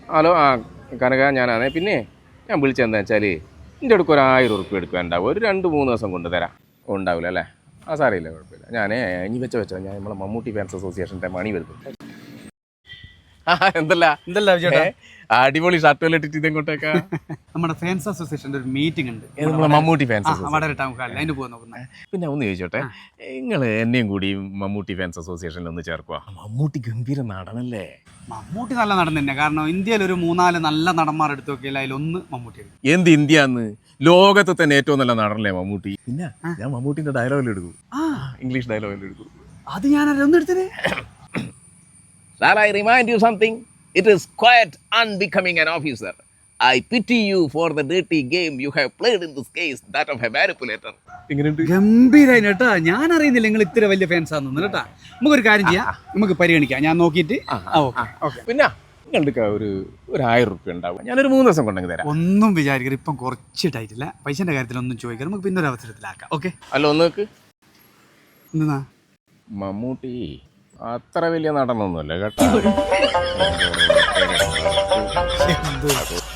Hello കനക ഞാനാണേ. പിന്നെ ഞാൻ വിളിച്ചതെന്താ വെച്ചാൽ എൻ്റെ അടുക്ക് ഒരു 1000 ഉറുപ്പ്യ എടുക്കുക ഉണ്ടാവും. ഒരു 2-3 ദിവസം കൊണ്ട് തരാം. ഉണ്ടാവില്ല അല്ലേ? സാറിയില്ല, കുഴപ്പമില്ല. ഞാനേ ഇനി വെച്ചോ ഞാൻ നമ്മളെ മമ്മൂട്ടി ഫാൻസ് അസോസിയേഷൻ്റെ മണി വരുന്നു. എന്തല്ല ചേട്ടാ, അടിപൊളി ഷർട്ടുകൾ ഇട്ടിട്ട് ഇതെങ്ങോട്ടേക്കാ? നമ്മുടെ ഫാൻസ് അസോസിയേഷൻ്റെ ഒരു മീറ്റിംഗ് ഉണ്ട്, നമ്മളെ മമ്മൂട്ടി ഫാൻസ് അതിന് പോകാൻ നോക്കുന്നത്. പിന്നെ ഒന്ന് ചോദിച്ചോട്ടെ, നിങ്ങൾ എന്നെയും കൂടി മമ്മൂട്ടി ഫാൻസ് അസോസിയേഷനിൽ ഒന്ന് ചേർക്കുക. മമ്മൂട്ടി ഗംഭീര നടനല്ലേ? മമ്മൂട്ടി നല്ല നടൻ തന്നെ. കാരണം ഇന്ത്യയിൽ ഒരു 3-4 നല്ല നടന്മാർ എടുത്തു നോക്കിയാൽ അതിലൊന്ന് മമ്മൂട്ടി. എന്ത് ഇന്ത്യന്ന്? ലോകത്തെ തന്നെ ഏറ്റവും നല്ല നടനല്ലേ മമ്മൂട്ടി. പിന്നെ ഞാൻ മമ്മൂട്ടിന്റെ ഡയലോഗിൽ എടുക്കും, ഇംഗ്ലീഷ് ഡയലോഗിൽ എടുക്കും. അത് ഞാനൊന്നും എടുത്തത്. Shall I remind you something? It is quite unbecoming an officer. I pity you for the dirty game you have played in this case, that of a manipulator. ഗംഭീരായി കേട്ടാ. ഞാൻ അറിയുന്നില്ല നിങ്ങൾ ഇത്ര വലിയ ഫാൻസ് ആണെന്ന് കേട്ടാ. നമുക്കൊരു കാര്യം ചെയ്യാം, നമുക്ക് പരിഗണിക്കാം. ഞാൻ നോക്കിയിട്ട് പിന്നെ നിങ്ങളുടെ ഒരു 1000 ഉറുപ്പ്യ ഉണ്ടാവും. ഞാനൊരു 3 ദിവസം കൊണ്ടെങ്കിൽ തരാം. ഒന്നും വിചാരിക്കരുത്, ഇപ്പം കുറച്ചിട്ടായിട്ടില്ല. പൈസന്റെ കാര്യത്തിലൊന്നും ചോദിക്കാം, നമുക്ക് പിന്നെ ഒരു അവസരത്തിലാക്കാം. ഓക്കെ അല്ല, ഒന്നേക്ക് എന്നാ മമ്മൂട്ടി അത്ര വലിയ നടനൊന്നുമല്ല കേട്ടോ.